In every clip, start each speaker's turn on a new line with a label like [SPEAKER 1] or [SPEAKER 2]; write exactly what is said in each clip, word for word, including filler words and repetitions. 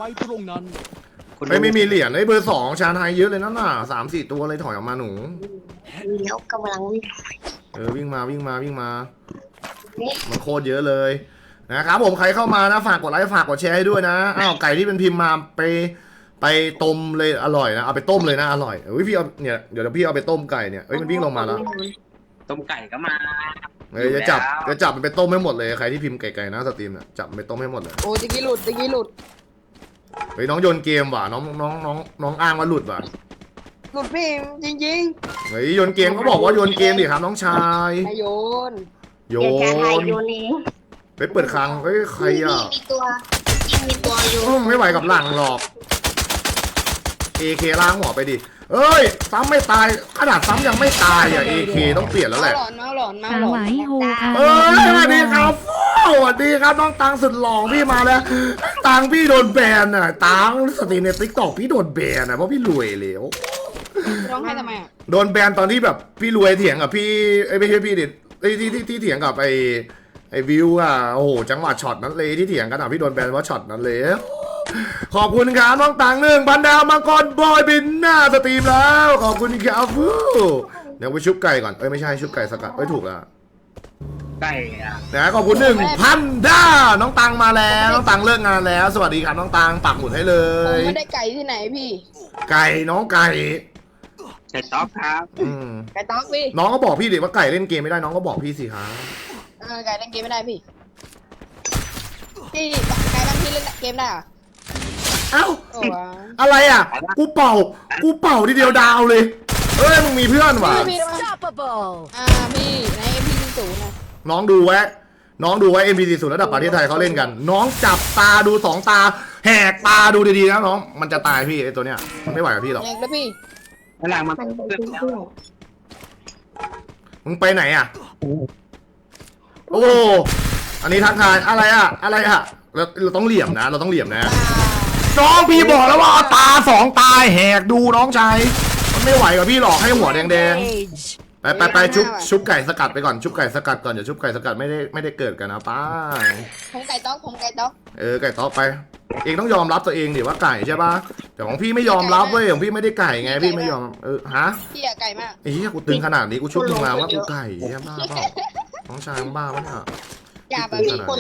[SPEAKER 1] ไปตรงนั้น
[SPEAKER 2] ไม่ไม่มีเหรียญไอ้เบอร์สองชาไทยเยอะเลยนั่นน่ะสามสี่ตัวเลยถอยออกมาหนู
[SPEAKER 3] มีแล้วกำลังวิ่ง
[SPEAKER 2] เออวิ่งมาวิ่งมาวิ่งมามันโคตรเยอะเลยนะครับผมใครเข้ามานะฝากกดไลค์ฝากกดแชร์ให้ด้วยนะอ้าวไก่ที่เป็นพิมพ์มาไปไปต้มเลยอร่อยนะเอาไปต้มเลยนะอร่อยเฮ้ยพี่เอาเนี่ยเดี๋ยวพี่เอาไปต้มไก่เนี่ยเฮ้ยมันวิ่งลงมาแล้ว
[SPEAKER 4] ต้มไก่ก็มา
[SPEAKER 2] เฮ้ยจะจับจะจับมันไปต้มให้หมดเลยใครที่พิมพ์ไก่ๆนะสตรีมเนี่ยจับมันไปต้มให้หมดเลย
[SPEAKER 5] โอ้ตะกี้หลุดตะกี้หลุด
[SPEAKER 2] เฮ้ยน้องโยนเกมว่ะน้องน้องน้องน้องอ้างว่าหลุดว่ะ
[SPEAKER 5] หลุดพี่จริง
[SPEAKER 2] เฮ้ยโยนเกมเขาบอกว่าโยนเกมดิครับน้องชาย
[SPEAKER 5] ๆนายโยน
[SPEAKER 2] โย
[SPEAKER 3] เดี๋ยวแกไทย
[SPEAKER 2] น
[SPEAKER 3] โยนเอง
[SPEAKER 2] ไปเปิดคลังเฮ้ยใครอ่ะ
[SPEAKER 3] มีตัวจริงมีตัวอยู่
[SPEAKER 2] อืมไม่ไหวกับหลังหรอก เอ เค ล้างหัวไปดิเอ้ยซ้ำไม่ตายขนาดซ้ำยังไม่ตายอ่ะ เอ เค ต้องเปลี่ยนแล้วแห
[SPEAKER 5] มา
[SPEAKER 2] ละ
[SPEAKER 5] หลอนมาหลอนมา
[SPEAKER 6] สา
[SPEAKER 5] หลอ
[SPEAKER 6] วาน ยโฮค่ะ
[SPEAKER 2] เอ้ยสวัสดีครับสวัสดีครับน้องตังสุดหล่อพี่มาแล้วตังพี่โดนแบนอ่ะตังสตรีมในติ๊กต็อกพี่โดนแบนอ่ะเพราะพี่รวยแล้ว
[SPEAKER 5] ร้องไห้ทำไมอ่ะ
[SPEAKER 2] โดนแบนตอนที่แบบพี่รวยเถียงกับพี่ไอ้ยไม่ใช่พี่ดิไอ้ที่ที่ที่เถียงกับไอ้ไอ้วิวอ่ะโอ้โหจังหวะช็อตนั้นเลยที่เถียงกันอ่ะพี่โดนแบนว่าช็อตนั้นเลยขอบคุณครับน้องตังหนึ่งพันดาวมังกรบอยบินหน้าสตรีมแล้วขอบคุณครับฟูเดี๋ยวไปชุบไก่ก่อนเอ้ยไม่ใช่ชุบไก่สกัดเอ้ยถูกแล้ว
[SPEAKER 4] ไก่อะ
[SPEAKER 2] นะขอบคุณหนึ่งพันดาวน้องตังมาแล้วน้องตังเลิกงานแล้ว สวัสดีครับน้องตังปักหมุดให้เล
[SPEAKER 5] ผม
[SPEAKER 2] ย
[SPEAKER 5] ไม่ได้ไก่ที่ไหนพี่
[SPEAKER 2] ไก่น้องไก่
[SPEAKER 4] ไก่ต๊อกครับ
[SPEAKER 2] อืม
[SPEAKER 5] ไก่ต๊อกพี่
[SPEAKER 2] น้องก็บอกพี่ดิว่าไก่เล่นเกมไม่ได้น้องก็บอกพี่สิครับ
[SPEAKER 5] เออไก่เล่นเกมไม่ได้พี่พี่ไก่บางทีเล่นเกมได้เหรอ
[SPEAKER 2] เอ้า
[SPEAKER 5] โอ้ย
[SPEAKER 2] อะไรอ่ะ กูเป่า กูเป่าทีเดียวดาวเลย เอ้ยมึงมีเพื่อนว่ะ
[SPEAKER 5] พี่พี่ระวังอ่าพี่ในเอ็มพีศูนย์นะ
[SPEAKER 2] น้องดูไว้ น้องดูไว้ เอ็ม พี ซี ศูนย์ระดับประเทศไทยเขาเล่นกัน น้องจับตาดูสองตา แหกตาดูดีๆนะน้อง มันจะตายพี่ไอ้ตัวเนี้ย มันไม่ไหวกับพี่หรอก
[SPEAKER 5] แยกแล้วพี่
[SPEAKER 4] กำลังมา
[SPEAKER 3] มันไป
[SPEAKER 4] เพื่อน
[SPEAKER 3] เพื่อน
[SPEAKER 2] มึงไปไหนอ่ะ โอ้ อันนี้ทักทายอะไรอ่ะ อะไรอ่ะ เราเราต้องเหลี่ยมนะ เราต้องเหลี่ยมนะ น้องพี่บอกแล้วว่าเอาตาสองตาแหกดูน้องชายมันไม่ไหวกับพี่หรอกให้หัวแดงๆไปไปไปชุบชุบไก่สกัดไปก่อนชุบไก่สกัดก่อนเดี๋ยวชุบไก่สกัดไม่ได้ไม่ได้เกิดกันนะป้า
[SPEAKER 5] ผมไก่ต๊อกผมไก่ต๊อก
[SPEAKER 2] เออไก่ต๊อกไป เองต้องยอมรับตัวเองดิว่าไก่ใช่ปะแต่ของพี่ไม่ยอมรับเว้ยของพี่ไม่ได้ไก่ไงพี่ไม่ยอมเออฮะ
[SPEAKER 5] พี่อะไก่มาก
[SPEAKER 2] ไอ้เหี้ยกูตึงขนาดนี้กูชุบมึงมาว่ากูไก่เหี้ยบ้าเปล่าน้องชายมึงบ้าปะเนี่ย
[SPEAKER 5] อย่าแบบ
[SPEAKER 3] มี
[SPEAKER 5] พี่
[SPEAKER 3] คน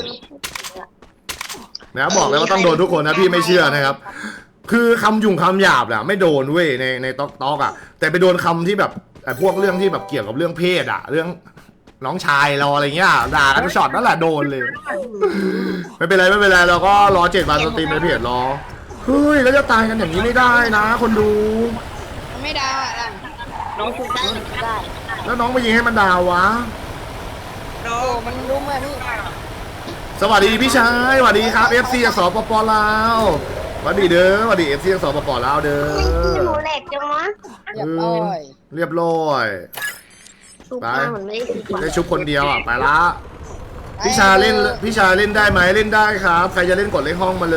[SPEAKER 2] นะบอกเลยว่าต้องโดนทุกคนนะพี่ไม่เชื่อนะครับ คือคำยุ่งคำหยาบแหละไม่โดนเว้ยในในต๊อกต๊อกอ่ะแต่ไปโดนคำที่แบบไอ้พวกเรื่องที่แบบเกี่ยวกับเรื่องเพศอ่ะ เรื่องน้องชายเราอะไรเงี้ยด่ากันช็อตนั่นแหละโดนเลย ไม่เป็นไรไม่เป็นไรเราก็รอเจ็ดวันสตรีมในเพจรอเฮ้ยแล้วจะตายกันอย่างนี้ไม่ได้นะ คนดู
[SPEAKER 5] มันไม่ได้อะ
[SPEAKER 3] น้องชุดได้ชุดได้
[SPEAKER 2] แล้วน้องไปยิงให้มันดาววะ
[SPEAKER 5] โอ้มันรู้มาพี่
[SPEAKER 2] สวัสดีพี่ชายสวัสดีครับ เอฟ ซี จากสปปลาวสวัสดีเด้อสวัสดี เอฟ ซี จากสปปลาวเด้อ
[SPEAKER 3] หนูแหลกจังวะ
[SPEAKER 5] เรียบร้อย
[SPEAKER 2] เรียบร้อย
[SPEAKER 3] ชุบมาเหมือนไม่ได้ชุบ
[SPEAKER 2] ได้ชุบคนเดียวอ่ะไปละพี่ชาเล่นพี่ชาเล่นได้ไหมเล่นได้ครับ ใครจะเล่นกดเลขห้องมาเลย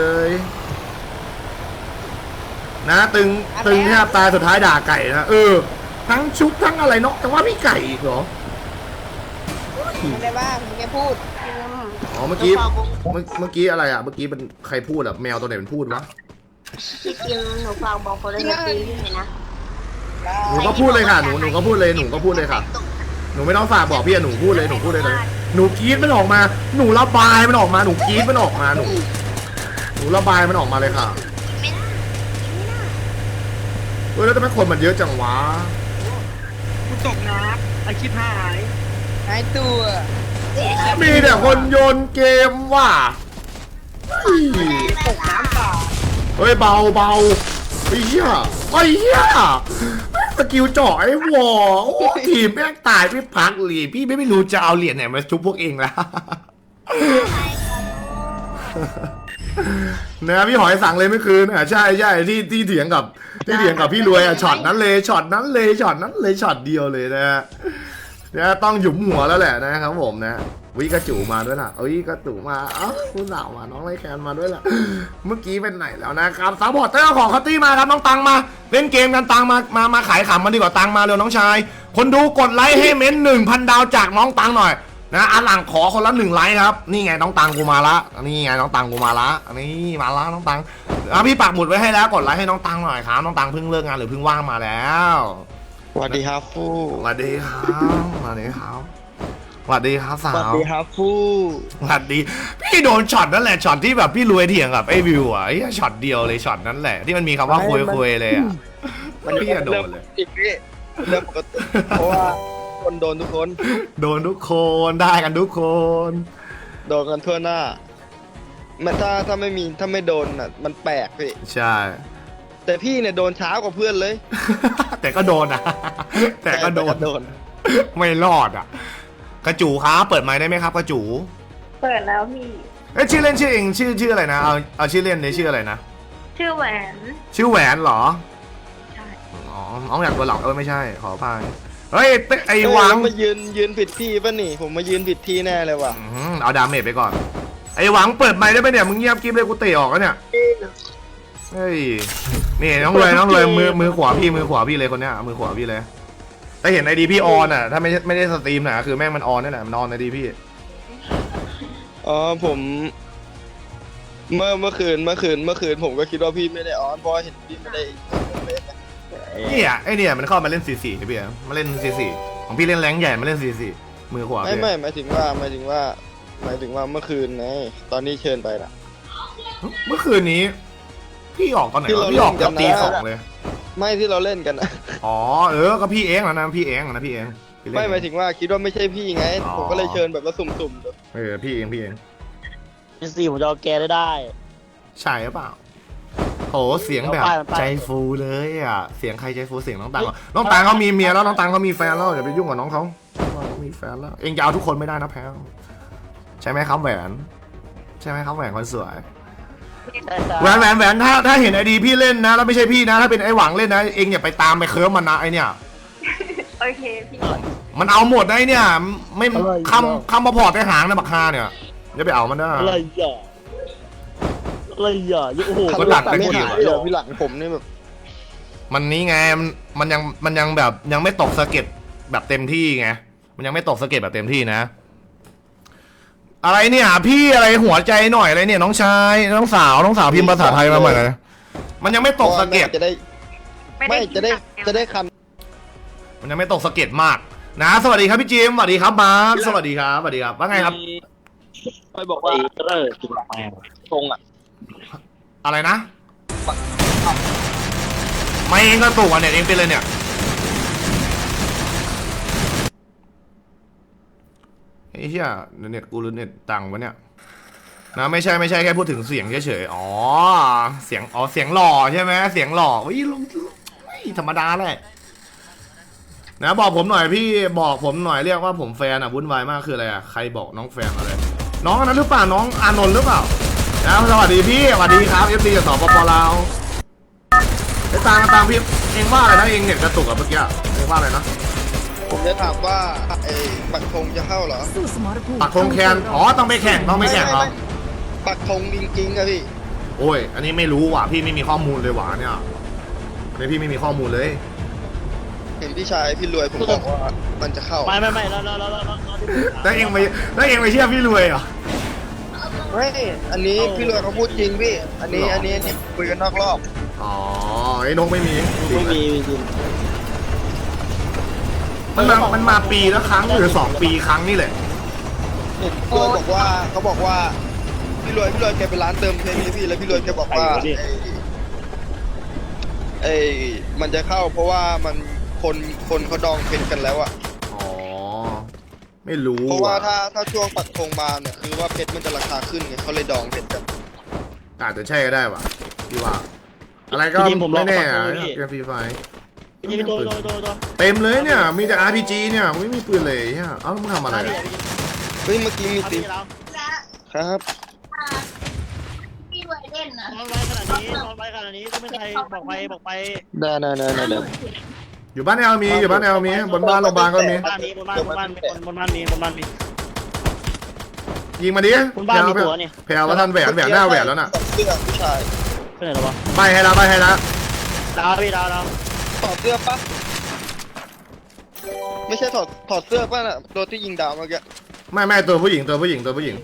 [SPEAKER 2] นะตึงตึงแทบตายสุดท้ายด่าไก่นะเออทั้งชุบทั้งอะไรเนาะแต่ว่าพี่ไก่อีกเหรอ
[SPEAKER 5] ไม่ได้ว่าผมแค่พูด
[SPEAKER 2] อ๋อเมื่อกี้เมื่อเมื่อกี้อะไรอ่ะเมื่อกี้เป็นใครพูดอ่ะแมวตัวไหนเป็นพูดวะ
[SPEAKER 3] จริงๆหนูฟังบอกคนละนาทีเลยนะ
[SPEAKER 2] หนูก็พูดเลยค่ะหนูหนูก็พูดเลยหนูก็พูดเลยค่ะหนูไม่ต้องฝากบอกพี่อะหนูพูดเลยหนูพูดเลยเลยหนูกรี๊ดมันออกมา หนูระบายมันออกมาหนูกรี๊ดมันออกมาหนูหนูระบายมันออกมาเลยค่ะเฮ้ยแล้วทำไมคนมันเยอะจังวะ
[SPEAKER 4] กูตกน้ำไอชิบหาย
[SPEAKER 5] หายตัว
[SPEAKER 2] มีแต่คนโยนเกมว่ะเฮ้ย
[SPEAKER 5] ตกน้ำเปล่า
[SPEAKER 2] เฮ้ยเบาเบาไอ้เหี้ยไอ้เหี้ยสกิลเจาะไอ้วอโอ้ทีมแม่งตายไม่พักเลยพี่ไม่ไม่รู้จะเอาเหรียญไหนมาชุบพวกเองละนะพี่หอยสั่งเลยเมื่อคืนอ่ะใช่ใช่ที่ที่เถียงกับที่เถียงกับพี่รวยอ่ะช็อตนั้นเลยช็อตนั้นเลยช็อตนั้นเลยช็อตเดียวเลยนะฮะเนี่ยต้องหยุมหัวแล้วแหละนะครับผมนะวิกระจูมาด้วยล่ะเอ้ยกระจูมาเอ้าคุณสาวมาน้องไรแคนมาด้วยล่ะเมื่อกี้เป็นไหนแล้วนะครับซัพพอร์ตเตอร์ของคัตตี้มาครับน้องตังมาเล่นเกมกันตังมามามาขายขำมันดีกว่าตังมาเร็วน้องชายคนดูกดไลค์ให้เม้นหนึ่งพันดาวจากน้องตังหน่อยนะอันหลังขอคนละหนึ่งไลค์ครับนี่ไงน้องตังกูมาละนี่ไงน้องตังกูมาละนี่มาละน้องตังอ่ะพี่ปักหมุดไว้ให้แล้วกดไลค์ให้น้องตังหน่อยครับน้องตังเพิ่งเลิกงานหรือเพิ่งว่างมาแล้ว
[SPEAKER 1] สวัสดีครับฟู
[SPEAKER 2] สวัสดีครับสวัสดีครับสวัสดีครับสา
[SPEAKER 1] สวัส
[SPEAKER 2] ว
[SPEAKER 1] ดีครับฟู
[SPEAKER 2] สวัสดีพี่โดนช็อตนั่นแหละช็อตที่แบบพี่รวยเถียงกับไอ้วิวอ่ะไอ้ช็อตเดียวเลยช็อตนั้นแหละที่มันมีคำว่าคุยคุยเลยอ่ะพี่อะโดนเลย
[SPEAKER 1] อีกพี่เรื่องปกติเพราะว่าคนโดนทุกคน
[SPEAKER 2] โดนทุกคนได้กันทุกคน
[SPEAKER 1] โดนกันทั่วหน้ามันถ้าถ้าไม่มีถ้าไม่โดนอ่ะมันแปลกพี่
[SPEAKER 2] ใช่
[SPEAKER 1] แต่พี่เนี่ยโดนช้ากว่าเพื่อนเลย
[SPEAKER 2] แต่ก็โดนนะแต่ก็โดน
[SPEAKER 1] โดน
[SPEAKER 2] ไม่รอดอ่ะกระจูครับเปิดไมค์ได้ไหมครับกระจู
[SPEAKER 3] เปิดแล้วพี่
[SPEAKER 2] เอ้ยชื่อเล่นชื่อเองชื่อชื่ออะไรนะเอาเอาชื่อเล่นเนี่ยชื่ออะไรนะ
[SPEAKER 3] ชื่อแหวน
[SPEAKER 2] ชื่อแหวนเหรอ
[SPEAKER 3] ใช่
[SPEAKER 2] อ๋อน้องอยากตัวหลอกเออไม่ใช่ขออภัยเฮ้ยเต้ไอ้
[SPEAKER 1] เอ้ย
[SPEAKER 2] วัง
[SPEAKER 1] มายืนยืนผิดที่ป่ะนี่ ผมมายืนผิดที่แน่เลยว่ะ
[SPEAKER 2] อื้อหือเอาดาเมจไปก่อนไอ้หวังเปิดไมค์ได้ไหมเนี่ยมึงเงียบกิ๊บเลยกูเตะออกแล้วเนี่ยเฮ้ยนี่น้องเลยน้องเลยมือมือขวาพี่มือขวาพี่เลยคนเนี้ยมือขวาพี่เลยแต่เห็นไอดีพี่ออนอ่ะถ้าไม่ไม่ได้สตรีมนะคือแม่งมันออนนี่แหละมันออนไอดีพี่
[SPEAKER 1] อ๋อผม เมื่อเมื่อคืนเมื่อคืนเมื่อคืนผมก็คิดว่าพี่ไม่ได้ออนเพราะเห็นพี่ไม่ได้เล่นนะ
[SPEAKER 2] เนี่ยไอเนี่ยมันเข้ามาเล่นสี่สี่พี่อะมาเล่นสี่สี่ของพี่เล่นแรงใหญ่มาเล่นสี่สี่มือขวา
[SPEAKER 1] ไม่
[SPEAKER 2] พี่
[SPEAKER 1] ไม่หมายถึงว่าหมายถึงว่าหมายถึงว่าเมื่อคืนไงตอนนี้เชิญไปละ
[SPEAKER 2] เมื่อคืนนี้ พี่ออกตอนไหน
[SPEAKER 1] ที่
[SPEAKER 2] วะ
[SPEAKER 1] เรา
[SPEAKER 2] พี่ออก
[SPEAKER 1] เล่นกั
[SPEAKER 2] กับ
[SPEAKER 1] นนะ
[SPEAKER 2] ตีสองเลย
[SPEAKER 1] ไม่ที่เราเล่นกันนะ
[SPEAKER 2] อ๋อเออก็พี่เองนะพี่เองนะพี่เองพี่เล่น
[SPEAKER 1] ไม่หมายถึงว่าคิดว่าไม่ใช่พี่ไง
[SPEAKER 2] อ๋อ
[SPEAKER 1] ผมก็เลยเชิญแบบว่าสุ่มๆดู
[SPEAKER 2] เออพี่เองพี่เอง
[SPEAKER 6] เป็นสี่ผมจะเอาแกได้ได้
[SPEAKER 2] ใช่หรือเปล่าโหเสียงแบบ
[SPEAKER 6] เอาไปเอาไป
[SPEAKER 2] ใจฟูเลยอ่ะเสียงใครใจฟูเสียงน้องตังเหรอน้องตังเขามีเมียแล้วน้องตังเขามีแฟนแล้วอย่าไปยุ่งกับน้องเขาเขามีแฟนแล้วเองจะเอาทุกคนไม่ได้นะแพลวใช่ไหมครับแหวนใช่ไหมครับแหวนคนสวย
[SPEAKER 6] ได้จ้า
[SPEAKER 2] แหวนแหวนแหวนถ้าถ้าเห็นไอดีพี่เล่นนะแล้วไม่ใช่พี่นะถ้าเป็นไอหวังเล่นนะเองอย่าไปตามไปเคิร์ฟมันนะไอเนี่ย
[SPEAKER 3] โอเคพี่
[SPEAKER 2] มันเอาหมดได้เนี่ยไม่คำคำมาพอร์ตในหางนะบักฮาเนี่ยอย่าไปเอามันนะ
[SPEAKER 6] อะไรอ่ะอะไรอ่ะโอ้โห
[SPEAKER 2] มันหลัก
[SPEAKER 1] ไม่
[SPEAKER 2] เป็น
[SPEAKER 1] หายเลยพี่หลังผมนี่แบบ
[SPEAKER 2] มันนี้ไงมันมันยังมันยังแบบยังไม่ตกสะเก็ดแบบเต็มที่ไงมันยังไม่ตกสะเก็ดแบบเต็มที่นะ อะไรเนี่ยพี่อะไรหัวใจหน่อยอะไรเนี่ยน้องชายน้องสาวน้องสาวพิมพ์ภาษาไทยมาใหม่เลยมันยังไม่ตกสะเก็ด
[SPEAKER 1] จะได้ไม่จะได้จะได้คัน
[SPEAKER 2] มันยังไม่ตกสะเก็ดมากนะสวัสดีครับพี่จิมสวัสดีครับมาร์คสวัสดีครับสวัสดีครับว่าไงครับ
[SPEAKER 1] ไปบอกว่า
[SPEAKER 6] เออจุดแมว
[SPEAKER 1] ตรงอ่ะ
[SPEAKER 2] อะไรนะไม่เองก็ตุกอ่ะเนี่ยเองเป็นเลยเนี่ยไอ้เหี้ยเน็ตกูหรือเน็ตตังวะเนี่ยนะไม่ใช่ไม่ใช่แค่พูดถึงเสียงเฉยๆอ๋อเสียงอ๋อเสียงหล่อใช่ไหมเสียงหล่อวิลงไม่ธรรมดาเลยนะบอกผมหน่อยพี่บอกผมหน่อยเรียกว่าผมแฟนอ่ะวุ่นวายมากคืออะไรอ่ะใครบอกน้องแฟนอะไรน้องอันนั้นหรือเปล่าน้องอานนท์หรือเปล่านะสวัสดีพี่สวัสดีครับเอฟซีจากสปปลาวไอ้ตามมาตามพี่เองว่าอะไรนะเองเนี่ยกระตุกอะเมื่อกี้เองว่าอะไรนะ
[SPEAKER 1] ผมจะถามว่าไอ้ปักธงจะเข้าเหรอ
[SPEAKER 2] ปักธงแคนอ๋อต้องไปแข่งต้องไปแข่งเหรอ
[SPEAKER 1] ปักธงจริงๆอะพี่
[SPEAKER 2] โอ้ยอันนี้ไม่รู้ว่ะพี่ไม่มีข้อมูลเลยว่ะเนี่ยอันนี้พี่ไม่มีข้อมูลเลย
[SPEAKER 1] เห็นพี่ชายพี่รวยผมบอกว่ามันจะเข้า
[SPEAKER 6] ไม่ไม่ไม่แล้วแล้วแล้วแล้วแล้ว
[SPEAKER 2] แล้วเองไม่แล้วเองไม่เชื่อพี่รวยเหรอ
[SPEAKER 1] ไม่อันนี้พี่รวยเขาพูดจริงพี่ อันนี้อันนี้อันนี้คุยกันนอกรอบ
[SPEAKER 2] อ๋อไอ้นกไม่มี
[SPEAKER 6] ไม่มีจริง
[SPEAKER 2] มันมามันมาปีละครั้งหรือสองปีครั้งนี่แหละ
[SPEAKER 1] พี่รวยบอกว่าเขาบอกว่าพี่รวยพี่รวยแกไปร้านเติมเพลงพี่แล้วพี่รวยแกบอกว่าไอ้ไอ้มันจะเข้าเพราะว่ามันคนคนเขาดองเพชรกันแล้วอะ
[SPEAKER 2] อ๋อไม่รู้
[SPEAKER 1] เพราะว่า
[SPEAKER 2] ว่ะ
[SPEAKER 1] ถ้าถ้าช่วงปักธงมาเนี่ยคือว่าเพชรมันจะราคาขึ้นไงเขาเลยดองเพชรกัน
[SPEAKER 2] อาจจะใช่ก็ได้ว่ะพี่ว่า อะไรก็ไม่แน่อะเกมฟรีไฟ
[SPEAKER 6] จริงโดนโดนโดนโดน
[SPEAKER 2] เต็มเลยเนี่ยมีแต่ อาร์ พี จี เนี่ยไม่มีปืนเลยเนี่ยเอ้ามึงทำอะไรอะ
[SPEAKER 1] เฮ้ยเมื่อกี้มี
[SPEAKER 6] เอา
[SPEAKER 1] ติ
[SPEAKER 6] พี่เรา
[SPEAKER 1] ครับ
[SPEAKER 3] พี่รวยเล่นนะ
[SPEAKER 6] นอนไว้ขนาดนี้นอนไว้ขนาดนี้ต้องไม่ใครบอกไปบอกไป
[SPEAKER 1] ได้ได้ได้ได้ได้
[SPEAKER 2] อยู่บ้านแอลมีอยู่บ้านแอลมีบนบ้านโรงพยาบาลก็มี
[SPEAKER 6] บ้านนี้บนบ้านบนบ้านบนบ้านมีบนบ้านมี
[SPEAKER 2] ยิงมาดิ
[SPEAKER 6] บนบ้านมีตัวนี่
[SPEAKER 2] แพลวว่าท่านแหวนแหวนหน้าแหวนแล้วน่ะ
[SPEAKER 1] เสื้อผู้ชาย
[SPEAKER 6] ไปไหนแล้ววะ
[SPEAKER 2] ไปให้ละไปให้ละ
[SPEAKER 6] ดาวพี่ดาวดาว
[SPEAKER 1] ถอดเสื้อปะไม่ใช่ถอดถอดเสื้อป่ะน่ะตัวที่ยิงดาวเมื่อกี้
[SPEAKER 2] ไม่ไม่ตัวผู้หญิงตัวผู้หญิงตัวผู้หญิง